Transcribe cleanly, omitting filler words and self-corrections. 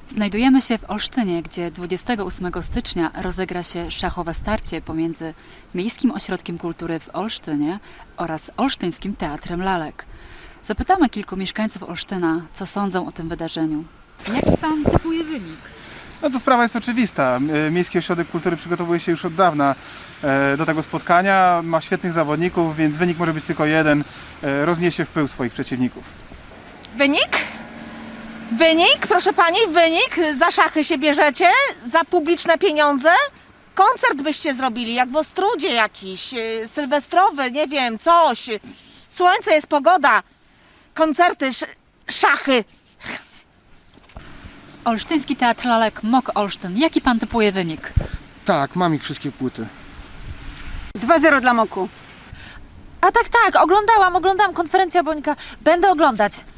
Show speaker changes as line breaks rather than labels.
Znajdujemy się w Olsztynie, gdzie 28 stycznia rozegra się szachowe starcie pomiędzy Miejskim Ośrodkiem Kultury w Olsztynie oraz Olsztyńskim Teatrem Lalek. Zapytamy kilku mieszkańców Olsztyna, co sądzą o tym wydarzeniu. Jaki pan typuje wynik?
No to sprawa jest oczywista. Miejski Ośrodek Kultury przygotowuje się już od dawna do tego spotkania. Ma świetnych zawodników, więc wynik może być tylko jeden. Rozniesie w pył swoich przeciwników.
Wynik? Wynik, proszę pani, wynik. Za szachy się bierzecie? Za publiczne pieniądze? Koncert byście zrobili, jak w Ostródzie jakiś, sylwestrowy, nie wiem, coś. Słońce jest, pogoda. Koncerty, szachy.
Olsztyński Teatr Lalek, MOK Olsztyn. Jaki pan typuje wynik?
Tak, mam ich wszystkie płyty.
2-0 dla Moku.
A tak, oglądałam konferencja Bońka. Będę oglądać.